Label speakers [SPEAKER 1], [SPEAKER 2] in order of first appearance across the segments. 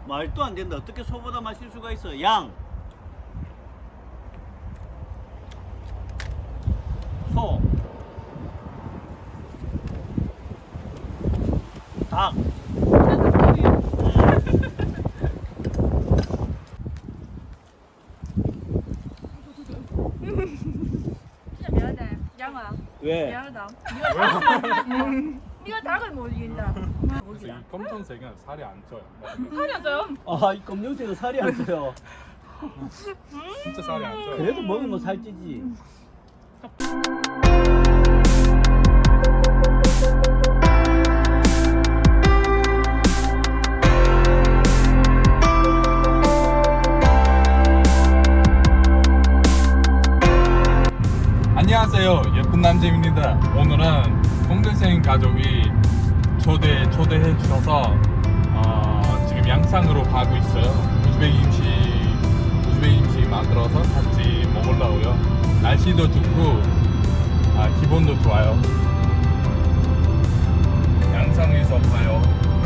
[SPEAKER 1] 말도 안 된다. 어떻게 소보다 맛있을 수가 있어? 양, 소, 닭.
[SPEAKER 2] 진짜 미안해. 양아.
[SPEAKER 1] 왜?
[SPEAKER 2] 미안하다. 네가 닭을 못 이긴다.
[SPEAKER 3] 그래서 이 검정색은 살이 안 쪄요.
[SPEAKER 2] 살이 안 쪄요?
[SPEAKER 1] 아, 이 검정색은 살이 안 쪄요.
[SPEAKER 3] 진짜 살이 안 쪄요.
[SPEAKER 1] 그래도 먹으면 살찌지.
[SPEAKER 3] 안녕하세요, 예쁜 남재입니다. 오늘은 동대생 가족이 초대해 주셔서 지금 양상으로 가고 있어요. 우즈베 김치 만들어서 같이 먹으려고요. 날씨도 좋고 기분도 좋아요. 양상에서 봐요.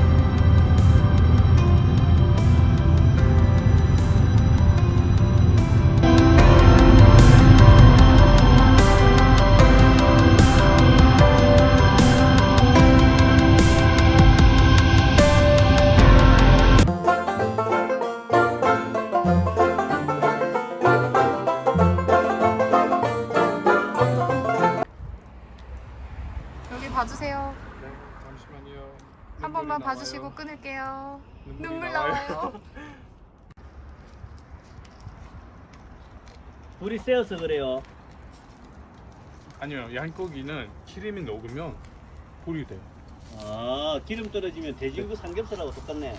[SPEAKER 4] 여기 봐주세요.
[SPEAKER 3] 네, 잠시만요.
[SPEAKER 4] 한 번만
[SPEAKER 3] 눈물이
[SPEAKER 4] 봐주시고
[SPEAKER 3] 나와요.
[SPEAKER 4] 끊을게요.
[SPEAKER 3] 눈물이
[SPEAKER 4] 눈물
[SPEAKER 3] 나와요.
[SPEAKER 4] 나와요.
[SPEAKER 1] 불이 세어서 그래요.
[SPEAKER 3] 아니요, 양고기는 기름이 녹으면 불이 돼요.
[SPEAKER 1] 아, 기름 떨어지면 돼지고기 삼겹살하고 똑같네.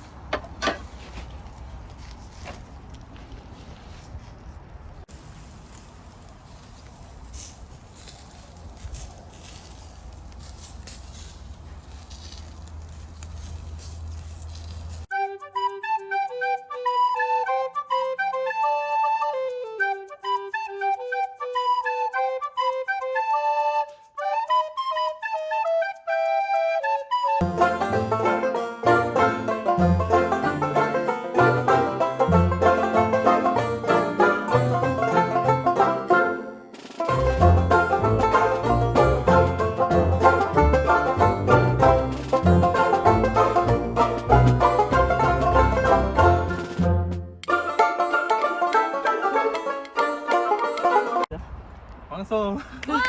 [SPEAKER 3] 완성.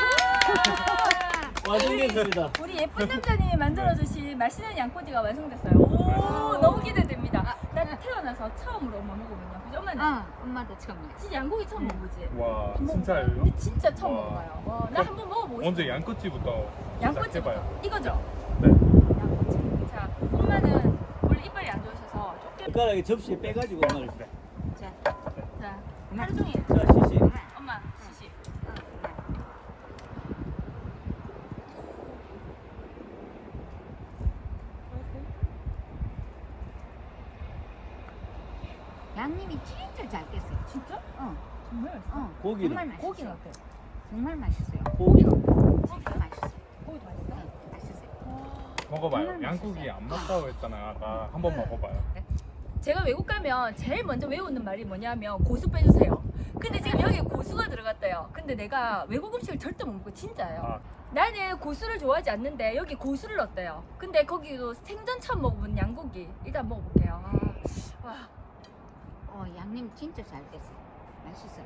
[SPEAKER 1] 완성됐습니다.
[SPEAKER 2] 우리 예쁜 남자님이 만들어주신 맛있는 양꼬치가 완성됐어요. 오, 너무 기대됩니다. 나 태어나서 처음으로 엄마 먹어보냐. 그죠? 엄마는
[SPEAKER 4] 엄마도 처음이야.
[SPEAKER 2] 진짜 양고기 처음 먹어보지?
[SPEAKER 3] 와,
[SPEAKER 2] 한 번
[SPEAKER 3] 진짜예요?
[SPEAKER 2] 먹어봐요. 근데 진짜 처음
[SPEAKER 3] 와.
[SPEAKER 2] 먹어봐요. 나 한번 먹어보고 싶어.
[SPEAKER 3] 먼저 양꼬치부터
[SPEAKER 2] 양꼬치
[SPEAKER 3] 시작해봐요.
[SPEAKER 2] 이거죠?
[SPEAKER 3] 네.
[SPEAKER 2] 양꼬치. 자, 엄마는 원래 이빨이 안 좋으셔서 조금
[SPEAKER 1] 젓가락에 접시에 빼가지고 엄마를.
[SPEAKER 4] 자,
[SPEAKER 2] 자, 하루 종일
[SPEAKER 1] 자, 시시.
[SPEAKER 2] 엄마 시시.
[SPEAKER 4] 양님이 진짜 잘 깼어요.
[SPEAKER 2] 진짜?
[SPEAKER 4] 어,
[SPEAKER 2] 정말 맛있어.
[SPEAKER 1] 고기는?
[SPEAKER 4] 정말 맛있어요.
[SPEAKER 2] 고기는 어때?
[SPEAKER 4] 정말 맛있어요.
[SPEAKER 1] 고기는?
[SPEAKER 4] 진짜 맛있어요.
[SPEAKER 2] 고기도 맛있어?
[SPEAKER 4] 네, 맛있어요.
[SPEAKER 3] 먹어봐요.
[SPEAKER 4] 정말
[SPEAKER 3] 양고기
[SPEAKER 4] 맛있어요.
[SPEAKER 3] 안 맞다고 했잖아요. 아까 한번 먹어봐요.
[SPEAKER 2] 제가 외국 가면 제일 먼저 외우는 말이 뭐냐면 고수 빼주세요. 근데 지금 여기 고수가 들어갔대요. 근데 내가 외국 음식을 절대 못 먹고 진짜예요.
[SPEAKER 3] 아,
[SPEAKER 2] 나는 고수를 좋아하지 않는데 여기 고수를 넣었대요. 근데 거기도 생전 처음 먹어본 양고기 일단 먹어볼게요. 와,
[SPEAKER 4] 양님 진짜 잘 깼어요. 맛있어요.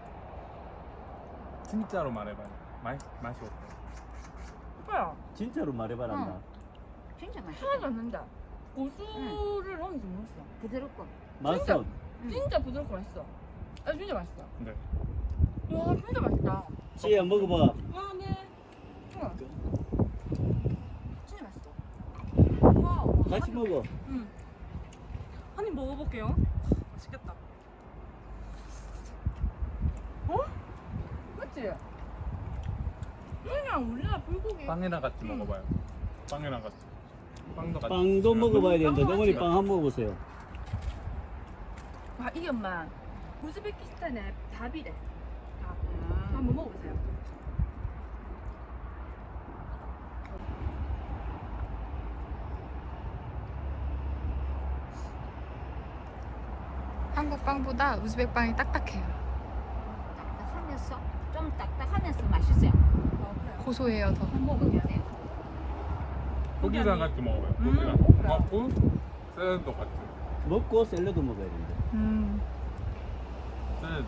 [SPEAKER 3] 진짜로 말해봐요. 맛이 어때요?
[SPEAKER 2] 오빠야
[SPEAKER 1] 진짜로 말해봐란다.
[SPEAKER 4] 진짜
[SPEAKER 2] 하나도
[SPEAKER 4] 맛있어요.
[SPEAKER 2] 안 난다. 고수를 넣은지 몰랐어.
[SPEAKER 4] 부드럽고.
[SPEAKER 1] 맛은
[SPEAKER 2] 진짜 부드럽고 맛있어. 진짜 맛있어.
[SPEAKER 3] 네.
[SPEAKER 2] 와, 진짜 맛있다.
[SPEAKER 1] 지혜야 먹어봐.
[SPEAKER 2] 와, 네. 진짜 맛있어. 와,
[SPEAKER 1] 같이 먹어.
[SPEAKER 2] 한 입 먹어볼게요. 맛있겠다. 맞지? 그냥 우리나라 불고기.
[SPEAKER 3] 빵이랑 같이 먹어봐요. 빵이랑 같이. 빵도 같이.
[SPEAKER 1] 빵도 먹어봐야 되는데
[SPEAKER 2] 빵
[SPEAKER 1] 어머니
[SPEAKER 2] 같이.
[SPEAKER 1] 빵 한번 먹어보세요.
[SPEAKER 2] 이게 엄마 우즈베키스탄의 밥이래. 밥.
[SPEAKER 4] 아,
[SPEAKER 2] 한번 먹어보세요.
[SPEAKER 5] 한국 빵보다 우즈벡 빵이 딱딱해요.
[SPEAKER 4] 딱딱하면서 좀 딱딱하면서 맛있어요.
[SPEAKER 5] 고소해요 더.
[SPEAKER 4] 한번 먹어보세요.
[SPEAKER 3] 고기랑 같이 먹어요. 고기랑 먹고 샐러드 같이.
[SPEAKER 1] 먹고 샐러드 먹어야 된다.
[SPEAKER 3] 샐러드.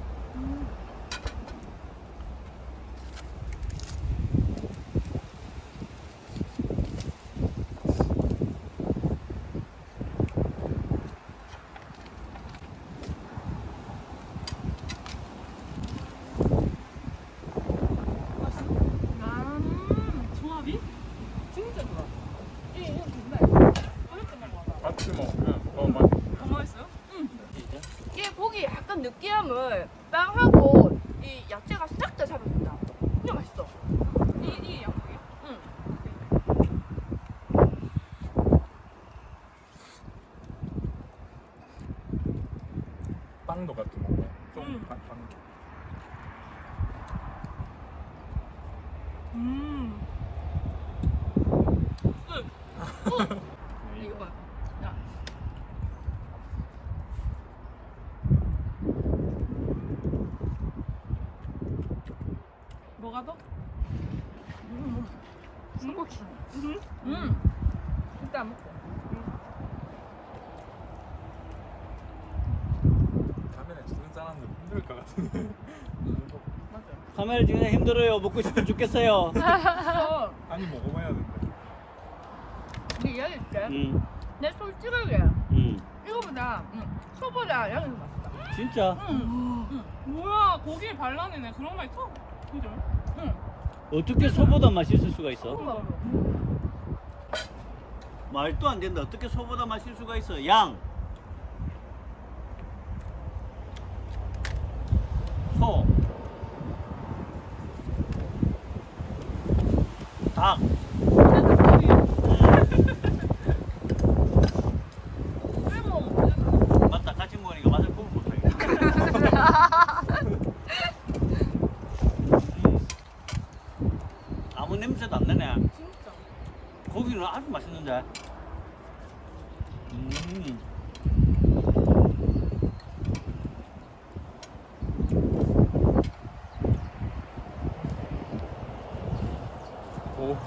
[SPEAKER 2] 조합이 진짜 좋아. 이거 정말 어렵게 먹어.
[SPEAKER 3] 같이 먹으면 더 맛.
[SPEAKER 2] 더 맛있어요? 응. 이게 고기 약간 느끼함을 빵하고 이 야채가 싹 다 잡아준다. 진짜 맛있어. 이 양고기요? 응.
[SPEAKER 3] 빵도 같이 먹어요. 좀 빵.
[SPEAKER 2] 이거 봐. 야. 뭐가 더?
[SPEAKER 5] 소고기.
[SPEAKER 2] 일단 먹고.
[SPEAKER 3] 카메라 찍는 사람들 힘들 것 같은데.
[SPEAKER 1] 카메라 찍는 힘들어요. 먹고 싶어 죽겠어요.
[SPEAKER 3] 아니 먹어봐야 된다.
[SPEAKER 2] 네 이야기 줄게. 내 솔직하게 이거보다 소보다 양이 더 맛있다.
[SPEAKER 1] 진짜?
[SPEAKER 6] 뭐야 고기에 발라내네 그런 말 있어? 그죠?
[SPEAKER 1] 어떻게 소보다 맛있을 수가 있어?
[SPEAKER 2] 소보다.
[SPEAKER 1] 말도 안 된다. 어떻게 소보다 맛있을 수가 있어? 양. 소. 닭. 맞다. 같이 먹으니까 맛을 구분 못하겠다. 아무 냄새도 안 나네.
[SPEAKER 6] 진짜
[SPEAKER 1] 고기는 아주 맛있는데.
[SPEAKER 3] 오.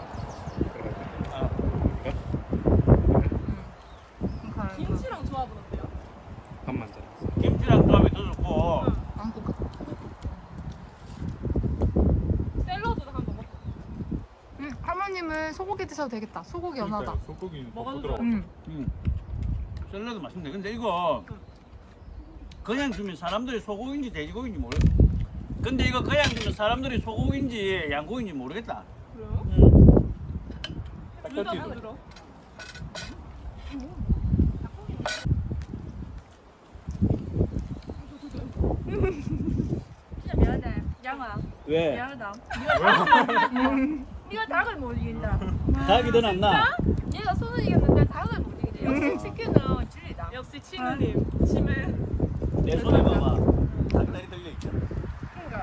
[SPEAKER 6] 김치랑 조합은 어때요?
[SPEAKER 3] 밥만 잘.
[SPEAKER 1] 김치랑 조합이 더 좋고.
[SPEAKER 5] 한국.
[SPEAKER 6] 샐러드도 한번 먹고
[SPEAKER 5] 할머님은 소고기 드셔도 되겠다. 소고기 연하다.
[SPEAKER 3] 소고기
[SPEAKER 6] 먹어도
[SPEAKER 3] 부드러워.
[SPEAKER 1] 샐러드 맛있는데 근데 이거 그냥 주면 사람들이 소고기인지 돼지고기인지 모르. 근데 이거 그냥 주면 사람들이 소고기인지 양고기인지 모르겠다.
[SPEAKER 6] 그래요? 둘다
[SPEAKER 3] 딱딱해도.
[SPEAKER 6] 부드러워
[SPEAKER 2] 진짜 미안해. 양아.
[SPEAKER 1] 왜?
[SPEAKER 2] 미안하다. 네가 닭을 못 이긴다.
[SPEAKER 1] 닭이 더 낫나?
[SPEAKER 2] 얘가 손을 이겼는데 닭을 못 이기네. 역시 치킨은 진리다.
[SPEAKER 6] 역시 친우님 치매
[SPEAKER 1] 내 손에 봐봐. 닭다리 들려 있잖아.
[SPEAKER 2] 그러니까.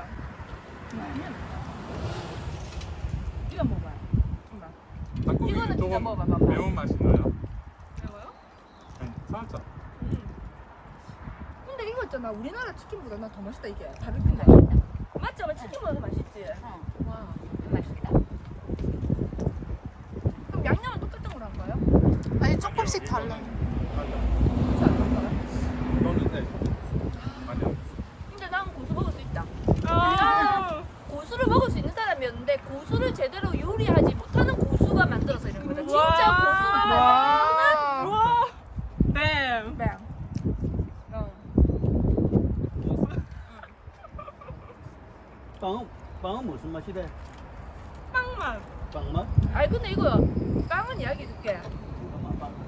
[SPEAKER 2] 이거 먹어봐. 이거.
[SPEAKER 3] 닭고기
[SPEAKER 2] 이거는 진짜
[SPEAKER 3] 조금
[SPEAKER 2] 먹어봐봐.
[SPEAKER 3] 매운 맛이 나요?
[SPEAKER 6] 매워요?
[SPEAKER 3] 살짝.
[SPEAKER 2] 근데 이거 있잖아. 우리나라 치킨보다 나 더 맛있다 이게. 바비큐인데. 맞죠? 치킨보다 더 맛있지. 와.
[SPEAKER 4] 맛있다.
[SPEAKER 2] 그럼 양념은 똑같은 걸로 한 거예요?
[SPEAKER 5] 아니 조금씩 달라요.
[SPEAKER 2] 그렇지 않았어요?
[SPEAKER 3] 너는 돼. 아니요.
[SPEAKER 2] 근데 난 고수 먹을 수 있다.
[SPEAKER 6] 아
[SPEAKER 2] 고수를 먹을 수 있는 사람이었는데 고수를 제대로 요리하지 못하는 고수가 만들어서 이런 거다. 진짜 고수가
[SPEAKER 5] 와.
[SPEAKER 6] 우와 뱀
[SPEAKER 2] 뱀.
[SPEAKER 1] 빵은 무슨 맛이 돼?
[SPEAKER 6] 빵맛
[SPEAKER 1] 빵 맛?
[SPEAKER 2] 아니 근데 이거 빵은 이야기 해줄게.
[SPEAKER 1] 잠깐만, 빵.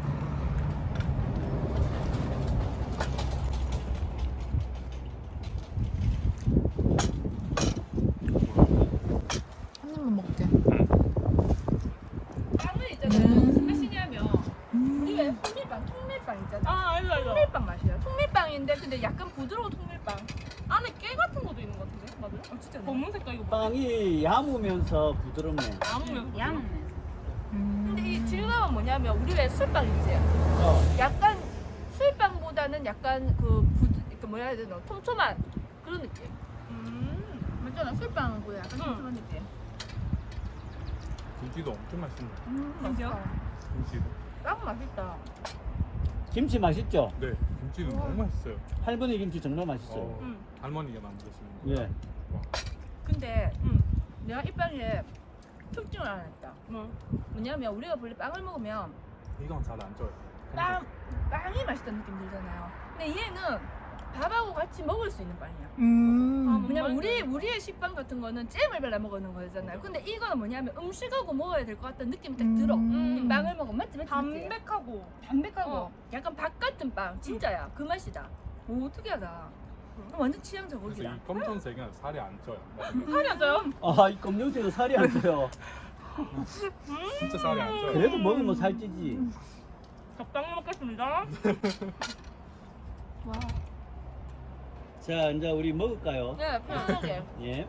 [SPEAKER 5] 한 입만 먹게.
[SPEAKER 2] 빵은 있잖아요. 무슨 맛이냐면 우리 왜 통밀빵 있잖아.
[SPEAKER 6] 아 알죠
[SPEAKER 2] 통밀빵 맛이야. 통밀빵인데 근데 약간 부드러운 통밀빵.
[SPEAKER 6] 안에 깨 같은 것도 있는 것 같은데 맞아요?
[SPEAKER 2] 진짜
[SPEAKER 6] 검은 색깔 이거 뭐야?
[SPEAKER 1] 빵이 야무면서 부드럽네.
[SPEAKER 6] 아무면
[SPEAKER 4] 양은
[SPEAKER 2] 근데 이 질감은 뭐냐면 우리 왜 술빵 있지?
[SPEAKER 1] 어.
[SPEAKER 2] 약간 술빵보다 김치보다는 약간 그 뭐라 해야 되나 촘촘한 그런 느낌.
[SPEAKER 5] 맞잖아. 술빵은 약간 슴슴한 느낌.
[SPEAKER 3] 김치도 엄청 맛있네.
[SPEAKER 2] 맛있어.
[SPEAKER 3] 김치도.
[SPEAKER 2] 딱 맛있다.
[SPEAKER 1] 김치 맛있죠?
[SPEAKER 3] 네, 김치도 너무 맛있어요.
[SPEAKER 1] 할머니 김치 정말 맛있어요.
[SPEAKER 3] 어, 할머니가 만드시는 거.
[SPEAKER 1] 예.
[SPEAKER 3] 와,
[SPEAKER 2] 근데 내가 이 빵에 특징을 하나 했다. 뭐냐면 우리가 원래 빵을 먹으면
[SPEAKER 3] 이건 잘 안 쪄요.
[SPEAKER 2] 빵이 맛있다는 느낌 들잖아요. 근데 얘는 밥하고 같이 먹을 수 있는 빵이야. 왜냐면 우리의 식빵 같은 거는 잼을 발라 먹는 거잖아요. 근데 이거는 뭐냐면 음식하고 먹어야 될 것 같다는 느낌이 딱 들어. 이 빵을 먹으면 맞지?
[SPEAKER 6] 담백하고.
[SPEAKER 2] 담백하고 약간 밥 같은 빵 진짜야. 그 맛이다. 오 특이하다. 완전 취향
[SPEAKER 3] 그래서
[SPEAKER 2] 저격이다.
[SPEAKER 3] 이 검정색은 살이 안 쪄요.
[SPEAKER 6] 살이 안 쪄요?
[SPEAKER 1] 아, 이 검정색은 살이 안 쪄요.
[SPEAKER 3] 진짜 살이 안 쪄요.
[SPEAKER 1] 그래도 먹으면 살찌지.
[SPEAKER 6] 적당히 먹겠습니다.
[SPEAKER 2] 와.
[SPEAKER 1] 자, 이제 우리 먹을까요?
[SPEAKER 2] 네, 편하게.
[SPEAKER 1] 예.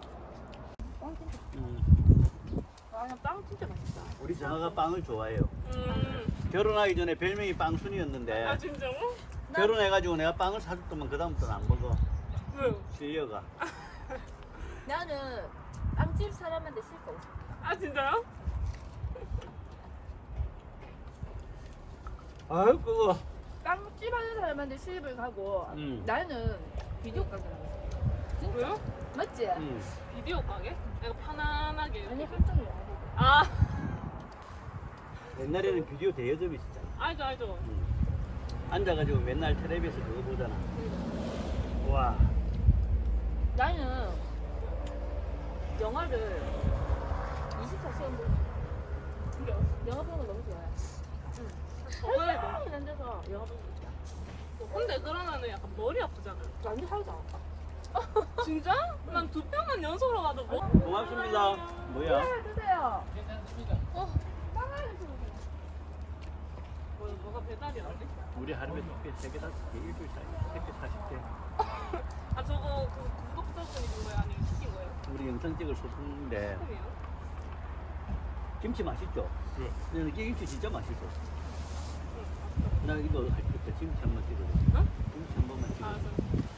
[SPEAKER 2] 아, 빵 진짜 맛있다.
[SPEAKER 1] 우리 장아가 빵을 좋아해요. 결혼하기 전에 별명이 빵순이었는데
[SPEAKER 6] 아 진짜로?
[SPEAKER 1] 결혼해가지고 내가 빵을 사줬더만 그다음부터는 안 먹어.
[SPEAKER 6] 왜요?
[SPEAKER 1] 실려가.
[SPEAKER 2] 나는 빵집 사람한테 실거 없어.
[SPEAKER 6] 아 진짜요?
[SPEAKER 1] 아유 그거.
[SPEAKER 2] 빵집 하는 사람한테 실입을 가고 나는 비디오 가게 나갔어.
[SPEAKER 6] 왜요?
[SPEAKER 2] 맞지?
[SPEAKER 6] 비디오 가게? 내가 편안하게.
[SPEAKER 2] 아니 한정이야.
[SPEAKER 6] 아
[SPEAKER 1] 옛날에는 비디오 대여점이 있었잖아.
[SPEAKER 6] 알죠 알죠.
[SPEAKER 1] 앉아가지고 맨날 텔레비에서 그거 보잖아. 와.
[SPEAKER 2] 나는 영화를 24시간 보고
[SPEAKER 6] 그래요?
[SPEAKER 2] 영화 보는 거 너무 좋아해.
[SPEAKER 6] 저번에 뭐.
[SPEAKER 2] 사람이 안 돼서 영화 보는 거 좋아.
[SPEAKER 6] 근데 그러면은 약간 머리 아프잖아요.
[SPEAKER 2] 완전 하루도 안 아파.
[SPEAKER 6] 진짜? 난 2편만 연속으로 가도 뭐?
[SPEAKER 1] 고맙습니다. 뭐야?
[SPEAKER 2] 네, 드세요.
[SPEAKER 6] 뭐가 배달이 안 돼?
[SPEAKER 1] 우리 하루에 3개, 5개, 일주일 사이에 3개, 40개.
[SPEAKER 6] 아 저거 그 구독자분이 준 거예요? 아니면 시킨 거예요?
[SPEAKER 1] 우리 영상 찍을 소품인데
[SPEAKER 6] 처음이에요?
[SPEAKER 1] 김치 맛있죠?
[SPEAKER 3] 네.
[SPEAKER 1] 근데 김치 진짜 맛있어. 나 이거 할 때 김치 한 번 찍어줘.
[SPEAKER 6] 어?
[SPEAKER 1] 김치 한 번만
[SPEAKER 6] 아
[SPEAKER 1] 찍어줘.
[SPEAKER 6] 저